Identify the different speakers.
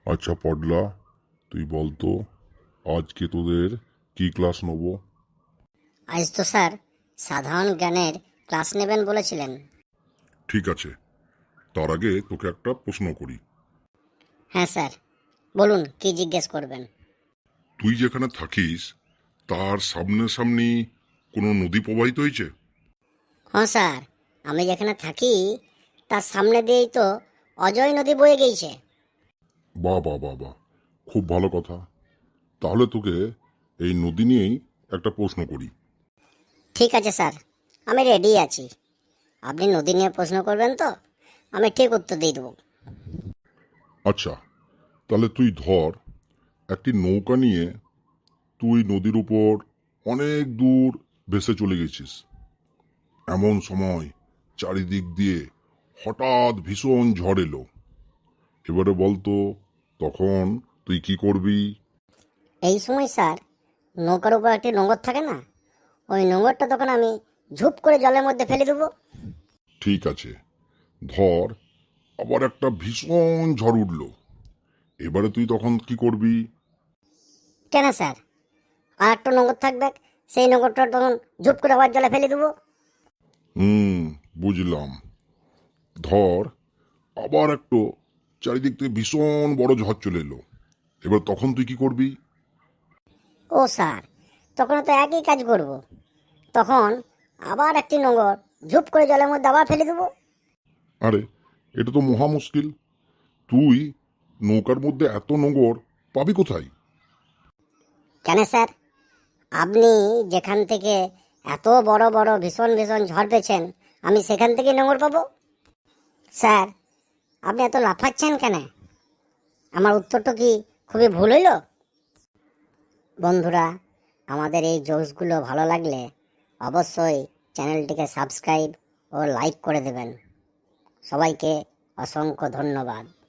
Speaker 1: আচ্ছা পডলা, তুই বলতো আজকে তোদের কি ক্লাস নেব?
Speaker 2: আজ তো স্যার সাধারণ জ্ঞানের ক্লাস নেবেন বলেছিলেন।
Speaker 1: ঠিক আছে, তার আগে তোকে একটা প্রশ্ন করি।
Speaker 2: হ্যাঁ স্যার, বলুন কি জিজ্ঞেস করবেন।
Speaker 1: তুই যেখানে থাকিস তার সামনাসামনি কোনো নদী প্রবাহিত হয়েছে?
Speaker 2: হ্যাঁ স্যার, আমি যেখানে থাকি তার সামনে দিয়েই তো অজয় নদী বয়ে গিয়েছে।
Speaker 1: বাহ বাহ বাহ বাহ, খুব ভালো কথা। তাহলে তোকে এই নদী নিয়েই একটা প্রশ্ন করি।
Speaker 2: ঠিক আছে স্যার, আমি রেডি আছি। আপনি নদী নিয়ে প্রশ্ন করবেন তো আমি ঠিক উত্তর দিয়ে দেবো।
Speaker 1: আচ্ছা, তাহলে তুই ধর একটি নৌকা নিয়ে তুই নদীর উপর অনেক দূর ভেসে চলে গেছিস। এমন সময় চারিদিক দিয়ে হঠাৎ ভীষণ ঝড় এলো। এবারে বলতো তখন তুই কি করবি?
Speaker 2: এই সময় স্যার নৌকার উপর একটি নোঙর থাকে না, ওই নোঙরটা তখন আমি ঝুপ করে জলের মধ্যে ফেলে দেবো।
Speaker 1: ঠিক আছে, ধর আবার একটা ভীষণ ঝড় উঠলো। এবারে তুই তখন কি করবি?
Speaker 2: কেন স্যার, আর একটা নোঙর থাকবে, সেই নোঙরটা তখন ঝুপ করে আবার জলে ফেলে দেবো।
Speaker 1: হুম, বুঝলাম। ধর আবার একটু চারিদিক থেকে ভীষণ বড় ঝড় চলে এলো। এবার তখন তুই কি করবি?
Speaker 2: ও স্যার, তখন তো একই কাজ করব। তখন আবার একটি নোঙর ঝুপ করে জলের মধ্যে আবার ফেলে দেবো।
Speaker 1: আরে, এটা তো মহা মুশকিল। তুই নৌকার মধ্যে এত নোঙর পাবি কোথায়?
Speaker 2: কেন স্যার, আপনি যেখান থেকে এত বড় বড় ভীষণ ভীষণ ঝড় পেয়েছেন আমি সেখান থেকে নোঙর পাবো। স্যার, আপনি এত লাফাচ্ছেন কেন? আমার উত্তরটা কি খুবই ভুল হইল? বন্ধুরা, আমাদের এই জোকসগুলো ভালো লাগলে অবশ্যই চ্যানেলটিকে সাবস্ক্রাইব ও লাইক করে দেবেন। সবাইকে অসংখ্য ধন্যবাদ।